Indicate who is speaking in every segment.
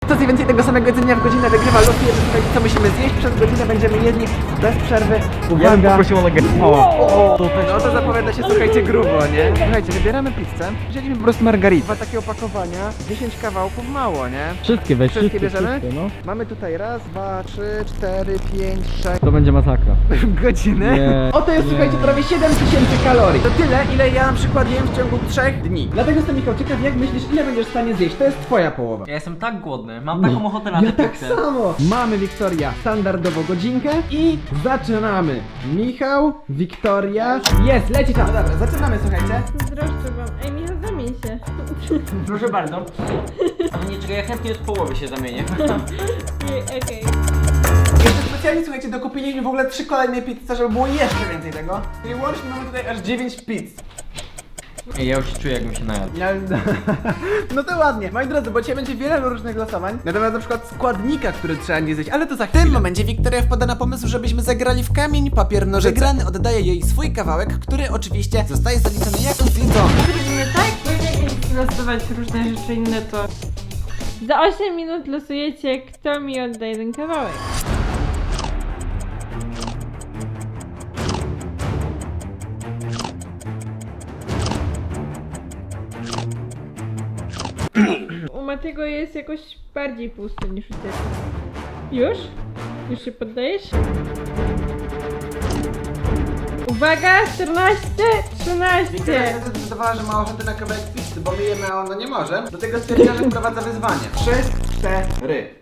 Speaker 1: Kto zje więcej tego samego jedzenia w godzinę wygrywa, losuje, że tutaj co musimy zjeść, przez godzinę będziemy jedli bez przerwy.
Speaker 2: Ja bym
Speaker 1: Uwaga!
Speaker 2: poprosił o nugget.
Speaker 1: No to zapowiada się, słuchajcie, grubo, nie? Słuchajcie, wybieramy pizzę, wzięliśmy po prostu margaritę. Dwa takie opakowania, 10 kawałków, mało, nie?
Speaker 2: Wszystkie weź,
Speaker 1: Wszystkie bierzemy?
Speaker 2: wszystkie, no.
Speaker 1: Mamy tutaj raz, 2, 3, 4, 5, 6
Speaker 2: To będzie masakra.
Speaker 1: godziny.
Speaker 2: Nie,
Speaker 1: Oto jest,
Speaker 2: nie.
Speaker 1: słuchajcie, prawie 7000 kalorii. To tyle, ile ja na przykład jem w ciągu 3 dni. Dlatego jestem, Michał, ciekaw, jak myślisz, ile będziesz w stanie zjeść? To jest twoja połowa.
Speaker 3: Ja jestem tak głodny, mam taką ochotę na
Speaker 1: Ja
Speaker 3: tę
Speaker 1: tak
Speaker 3: pizzę.
Speaker 1: samo! Mamy, Wiktoria, standardowo godzinkę i zaczynamy. Michał, Wiktoria, jest, leci czas. No dobra, zaczynamy, słuchajcie.
Speaker 4: Zdroszczę wam. Ej, Michał, zamień się.
Speaker 3: Proszę bardzo. Ale nie, czekaj, ja chętnie od połowy się zamienię.
Speaker 4: Okej.
Speaker 1: Jeszcze specjalnie, słuchajcie, dokupiliśmy w ogóle 3 kolejne pizze, żeby było jeszcze więcej tego. I łącznie mamy tutaj aż 9 pizz.
Speaker 3: Ej, ja już się czuję, jakbym się najadł.
Speaker 1: No to ładnie. Moi drodzy, bo dzisiaj będzie wiele różnych losowań. Natomiast na przykład składnika, który trzeba nie zjeść, ale to za chwilę. W tym momencie Wiktoria wpada na pomysł, żebyśmy zagrali w kamień, papier, nożyce. Wygrany oddaje jej swój kawałek, który oczywiście zostaje zaliczony jako zjedzony.
Speaker 4: Robimy tak, bo jak losować różne rzeczy inne, to... Za 8 minut losujecie, kto mi odda jeden kawałek. U Matego jest jakoś bardziej pusty niż u ciebie. Już? Już się poddajesz? Uwaga! 14, 13!
Speaker 1: Wiktoria zdecydowała, że ma ochotę na kawałek pizzy, bo my jemy, a ona nie może. Do tego stwierdziła, że wprowadza wyzwanie. 3, 4.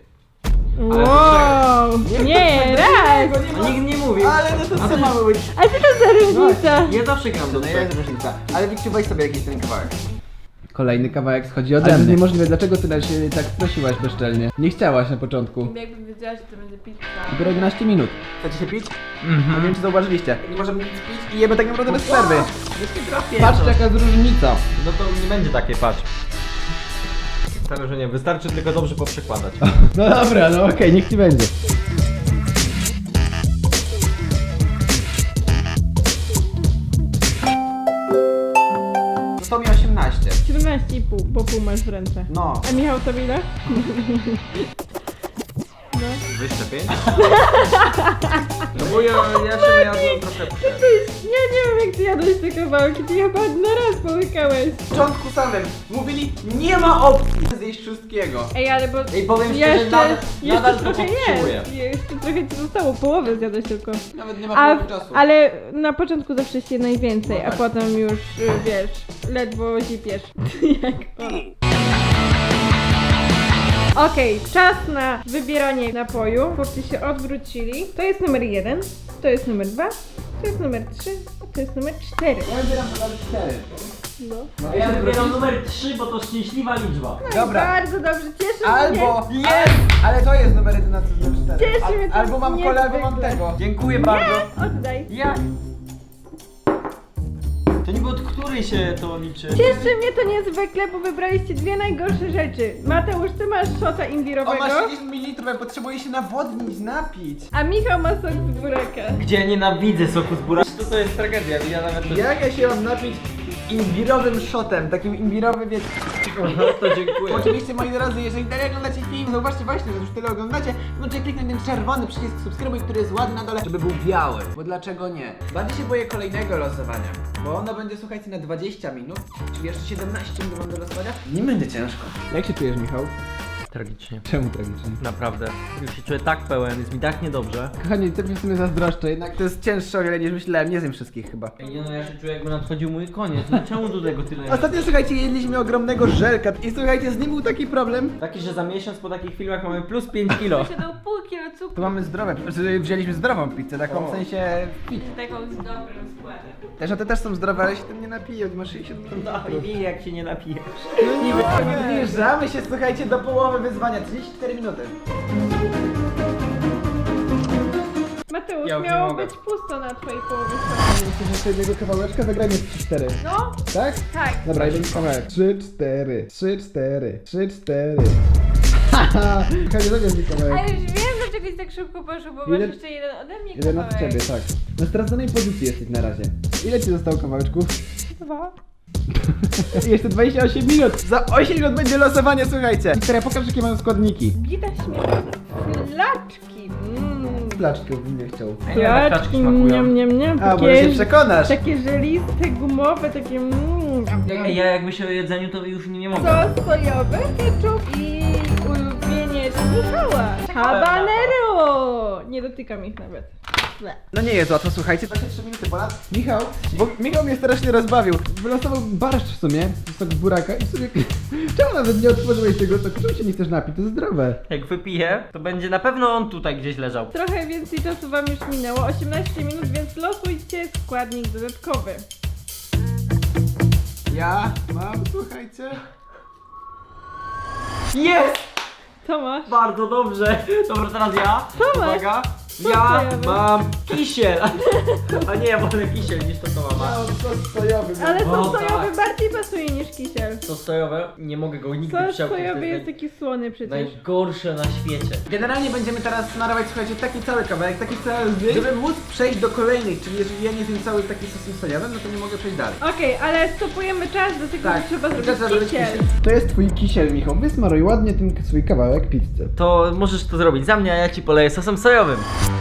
Speaker 4: Wow! Nie, raz!
Speaker 3: A nikt nie mówił.
Speaker 1: Ale no to co mamy być?
Speaker 4: A co to za różnica?
Speaker 3: Ja zawsze gram do
Speaker 1: No
Speaker 3: tego.
Speaker 1: jest różnica. Ale Wikciu, weź sobie jakiś ten kawałek. Kolejny kawałek schodzi ode mnie. Ale to jest niemożliwe, dlaczego ty się tak prosiłaś bezczelnie? Nie chciałaś na początku.
Speaker 4: Jakbym wiedziała, że to będzie pizza.
Speaker 1: Dopiero 11 minut. Chcecie się pić? Nie wiem, czy zauważyliście. Nie możemy nic pić i jemy tak naprawdę bez przerwy. Patrzcie, jaka jest różnica.
Speaker 2: No to nie będzie takiej, patrz. Wcale, że nie, wystarczy tylko dobrze poprzekładać.
Speaker 1: No dobra, no okej, niech ci będzie. To mi 18.
Speaker 4: 17,5, bo pół masz w ręce.
Speaker 1: No.
Speaker 4: A Michał to ile?
Speaker 2: Wyjście 5? No bo ja się najadłem troszeczkę.
Speaker 4: Ja nie wiem, jak ty jadłeś te kawałki, ty chyba na raz połykałeś.
Speaker 1: W początku samym mówili, nie ma opcji zjeść wszystkiego.
Speaker 4: Ej, ale bo
Speaker 3: Ej, powiem szczerze, nadal to
Speaker 4: trochę
Speaker 3: podtrzymuję.
Speaker 4: jest. Jeszcze trochę ci zostało, połowę zjadłeś tylko.
Speaker 1: Nawet nie ma
Speaker 4: A,
Speaker 1: połowy czasu.
Speaker 4: ale na początku zawsze się najwięcej, a potem już, wiesz, ledwo zipiesz. Jak o. Okej, czas na wybieranie napoju. Chłopcy się odwrócili. To jest numer 1, to jest numer 2, to jest numer 3, a to jest numer 4.
Speaker 1: Ja wybieram numer 4.
Speaker 4: No.
Speaker 3: A ja wybieram numer 3, bo to szczęśliwa liczba.
Speaker 4: No
Speaker 1: Dobra.
Speaker 4: i bardzo dobrze, cieszę
Speaker 1: Albo
Speaker 4: mnie.
Speaker 1: ale to jest numer 11, numer 4.
Speaker 4: Cieszy mnie to
Speaker 1: Albo mam kolę, albo mam
Speaker 4: niezwykle.
Speaker 1: tego.
Speaker 3: Dziękuję bardzo.
Speaker 4: Oddaj.
Speaker 3: Jak? To niby od której się to liczy?
Speaker 4: Cieszy mnie to niezwykle, bo wybraliście dwie najgorsze rzeczy. Mateusz, ty masz szota
Speaker 1: O,
Speaker 4: imbirowego,
Speaker 1: masz 60 ml, ja potrzebuję się nawodnić, napić.
Speaker 4: a Michał ma sok z buraka.
Speaker 3: Gdzie nienawidzę soku z buraka. To jest tragedia, ja nawet...
Speaker 1: Jak ja się mam napić imbirowym shotem, takim imbirowym, wiecie.
Speaker 3: To dziękuję.
Speaker 1: Oczywiście, moi drodzy, jeżeli dalej oglądacie film, zauważcie właśnie, że już tyle oglądacie, możecie kliknąć ten czerwony przycisk subskrybuj, który jest ładny na dole, żeby był biały. Bo dlaczego nie? Bardziej się boję kolejnego losowania, bo ono będzie, słuchajcie, na 20 minut, czyli jeszcze 17 minut mam do losowania. Nie będzie ciężko. Jak się czujesz, Michał?
Speaker 3: Tragicznie.
Speaker 1: Czemu tragicznie?
Speaker 3: Naprawdę. Już się czuję tak pełen, jest mi tak niedobrze.
Speaker 1: Kochani, ty mnie w sumie zazdroszczę, jednak to jest cięższe o wiele niż myślałem, nie zjem wszystkich chyba.
Speaker 3: Ej, nie no, ja się czuję jakby nadchodził mój koniec. No czemu do tego tyle jest?
Speaker 1: Ostatnio, słuchajcie, jedliśmy ogromnego żelka i słuchajcie, z nim był taki problem.
Speaker 3: Taki, że za miesiąc po takich filmach mamy plus 5 kilo.
Speaker 4: Posiadał pół kilo
Speaker 1: Tu
Speaker 4: cukru.
Speaker 1: mamy zdrowe, znaczy wzięliśmy zdrową pizzę, taką w sensie fit.
Speaker 4: Taką z dobrym składem.
Speaker 1: Też, a te też są zdrowe, ale się tym nie napiję, masz 60
Speaker 3: No i jak się nie napijesz.
Speaker 1: No nie, zbliżamy się, słuchajcie, do połowy wyzwania, 34 minuty.
Speaker 4: Mateusz,
Speaker 3: Ja już nie
Speaker 4: miało
Speaker 3: mogę.
Speaker 4: być pusto na twojej połowie.
Speaker 1: Chcesz jeszcze jednego kawałeczka? Zagrajmy 3-4.
Speaker 4: No,
Speaker 1: Tak?
Speaker 4: tak.
Speaker 1: Dobra, jeden kawałek. 3-4, 3-4, 3-4. Haha, Kochanie, zabierz mi kawałek.
Speaker 4: A już wiem, dlaczego ci tak szybko poszło, bo masz
Speaker 1: Jeden-
Speaker 4: jeszcze jeden ode mnie
Speaker 1: Jeden od
Speaker 4: kawałek.
Speaker 1: ciebie, tak. Na straconej pozycji jesteś na razie. Ile ci zostało kawałeczków?
Speaker 4: 2.
Speaker 1: Jeszcze 28 minut. Za 8 minut będzie losowanie, słuchajcie. Wiktoria, pokaż jakie mają składniki.
Speaker 4: Gita śmieszne. Flaczki.
Speaker 1: Placzki bym chciał.
Speaker 3: Ja nie wiem, jak
Speaker 4: Flaczki,
Speaker 3: kaczki smakują.
Speaker 4: niam.
Speaker 1: A, może się przekonasz.
Speaker 4: Takie żeliste, gumowe, takie
Speaker 3: Ja jak myślę o jedzeniu, to już nie mogę.
Speaker 4: Sos sojowy, ketchup i ulubieniec Michała. Habanero! Nie dotykam ich nawet. Ble.
Speaker 1: No nie jest łatwo, słuchajcie. 23 minuty ponad. Michał mnie strasznie rozbawił. Wylosował barszcz w sumie, sok z buraka i w sumie... Czemu nawet nie otworzyłeś tego soku? Czemu się nie chcesz napić? To jest zdrowe.
Speaker 3: Jak wypiję, to będzie na pewno on tutaj gdzieś leżał.
Speaker 4: Trochę więcej czasu wam już minęło, 18 minut, więc losujcie składnik dodatkowy.
Speaker 1: Ja mam, słuchajcie...
Speaker 3: Jest!
Speaker 4: Co masz?
Speaker 3: Bardzo dobrze. Dobra, teraz ja.
Speaker 4: Co masz?
Speaker 3: Uwaga.
Speaker 4: Co
Speaker 3: Ja
Speaker 4: sojowy?
Speaker 3: mam kisiel. A nie, wolę kisiel niż to co mama.
Speaker 1: sos sojowy.
Speaker 4: Ale
Speaker 3: O,
Speaker 4: sos sojowy
Speaker 3: tak.
Speaker 4: bardziej pasuje niż kisiel.
Speaker 3: Sos sojowy, nie mogę go nigdy
Speaker 4: Sos
Speaker 3: przełknąć.
Speaker 4: sojowy
Speaker 3: To
Speaker 4: jest
Speaker 3: jest
Speaker 4: taki słony przecież.
Speaker 3: najgorsze na świecie.
Speaker 1: Generalnie będziemy teraz smarować, słuchajcie, taki cały kawałek, taki cały zbieg, żeby móc przejść do kolejnych, czyli jeżeli ja nie zjem cały taki sosem sojowym, no to nie mogę przejść dalej.
Speaker 4: Okej, ale stopujemy czas, do tego
Speaker 1: Tak,
Speaker 4: trzeba
Speaker 1: tylko
Speaker 4: zrobić
Speaker 1: zrobić
Speaker 4: kisiel.
Speaker 1: To jest twój kisiel, Michał. Wysmaruj ładnie ten swój kawałek pizzy.
Speaker 3: To możesz to zrobić za mnie, a ja ci poleję sosem sojowym.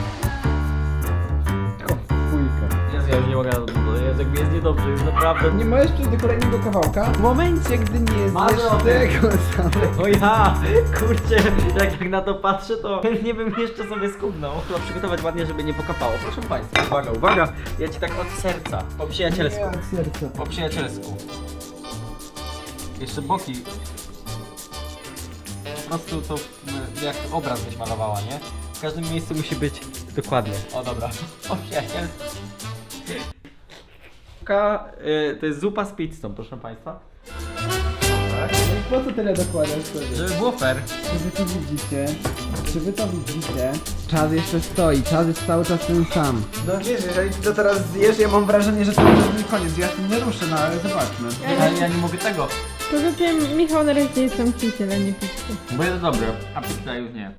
Speaker 1: O, fujka.
Speaker 3: Jezu, ja już nie mogę na to, jest jakby jest niedobrze, już naprawdę.
Speaker 1: Nie możesz przejść do kolejnego kawałka w momencie, gdy nie
Speaker 3: Marzę
Speaker 1: zjesz
Speaker 3: o tym.
Speaker 1: tego samego.
Speaker 3: O ja, kurczę, jak tak na to patrzę, to nie bym jeszcze sobie skubnął. Trzeba przygotować ładnie, żeby nie pokapało. Proszę Państwa, uwaga, uwaga, ja ci tak od serca, po przyjacielsku,
Speaker 1: Nie, od serca.
Speaker 3: po przyjacielsku. Jeszcze boki. Po prostu to jak obraz byś malowała, nie? W każdym miejscu musi być dokładnie. O dobra, o przyjacielsku. To jest zupa z pizzą, proszę Państwa.
Speaker 1: No i po co tyle dokładasz sobie?
Speaker 3: Żeby było fair.
Speaker 1: Czy wy to widzicie? Czy wy to widzicie? Czas jeszcze stoi, czas jest cały czas ten sam. No wiesz, jeżeli ty to teraz zjesz, ja mam wrażenie, że to już nie koniec. Ja tym nie ruszę, no ale zobaczmy.
Speaker 3: Ja nie mogę tego.
Speaker 4: Poza tym Michał na razie jest tam kisiel, a nie pizzą.
Speaker 3: Bo jest dobre, a pizza już nie.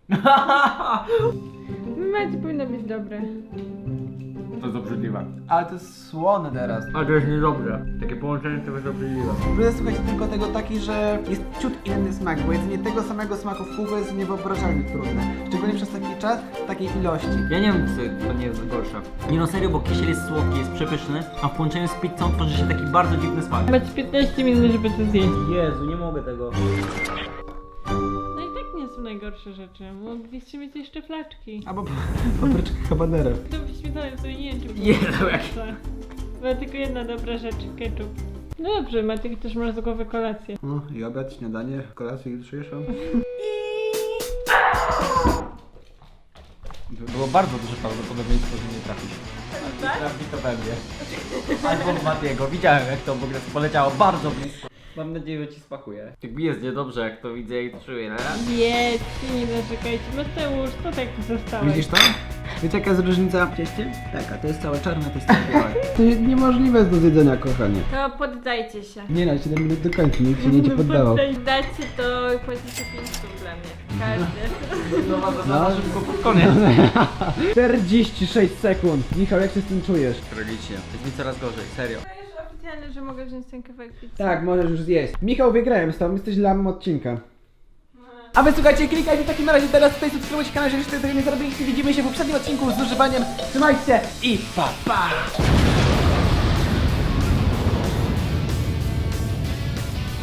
Speaker 4: Macie powinno być dobre.
Speaker 3: To jest obrzydliwe.
Speaker 1: Ale to jest słone teraz.
Speaker 3: Ale to jest niedobre. Takie połączenie to jest obrzydliwe.
Speaker 1: Problem, słuchajcie, tylko tego taki, że jest ciut inny smak, bo jedzenie tego samego smaku w kółko jest niewyobrażalnie trudne. Szczególnie przez taki czas, w takiej ilości.
Speaker 3: Ja nie wiem, co to nie jest gorsze. Nie no serio, bo kisiel jest słodki, jest przepyszny, a w połączeniu z pizzą tworzy się taki bardzo dziwny smak.
Speaker 4: Macie 15 minut, żeby to zjeść.
Speaker 3: Jezu, nie mogę tego.
Speaker 4: No i tak nie są najgorsze rzeczy. Mogliście mieć jeszcze flaczki.
Speaker 1: Albo papryczka habanero.
Speaker 4: To wyświetlałem sobie, nie wiem czy było.
Speaker 3: Jezu, jak...
Speaker 4: Była tylko jedna dobra rzecz, ketchup. No dobrze, Matyk też masz z głowy kolację.
Speaker 1: No i obiad, śniadanie, kolację jutrzejszą.
Speaker 3: Było bardzo duże prawdopodobieństwo, że nie trafisz.
Speaker 4: Tak?
Speaker 3: Trafi to we mnie. Albo w Matiego. Widziałem jak to w ogóle poleciało bardzo blisko. Mam nadzieję, że ci smakuje. Tak mi jest niedobrze, jak to widzę i czuję, no.
Speaker 4: Jedźcie, nie narzekajcie. Mateusz, to tak zostałeś.
Speaker 1: Widzisz to? Wiecie jaka jest różnica w cieście? Taka, to jest całe czarne, to jest całe białe. To jest niemożliwe do zjedzenia, kochanie.
Speaker 4: To poddajcie się.
Speaker 1: Nie no, 7 minut do końca, nikt się nie poddawał.
Speaker 4: Poddacie to płacicie 5 stów dla mnie. Każdy.
Speaker 3: No, to
Speaker 1: No.
Speaker 3: za szybko pod koniec.
Speaker 1: 46 sekund. Michał, jak się z tym czujesz?
Speaker 3: Tragicznie. Jest mi coraz gorzej, serio.
Speaker 4: To już oficjalne, że mogę wziąć ten kawałek pizzy.
Speaker 1: Tak, możesz już zjeść. Michał, wygrałem z tobą, jesteś lamem odcinka. A wy słuchajcie, klikajcie w takim razie teraz tutaj, subskrybujcie kanał, jeżeli jeszcze tego nie zrobiliście. Widzimy się w poprzednim odcinku z używaniem. Trzymajcie się i pa pa!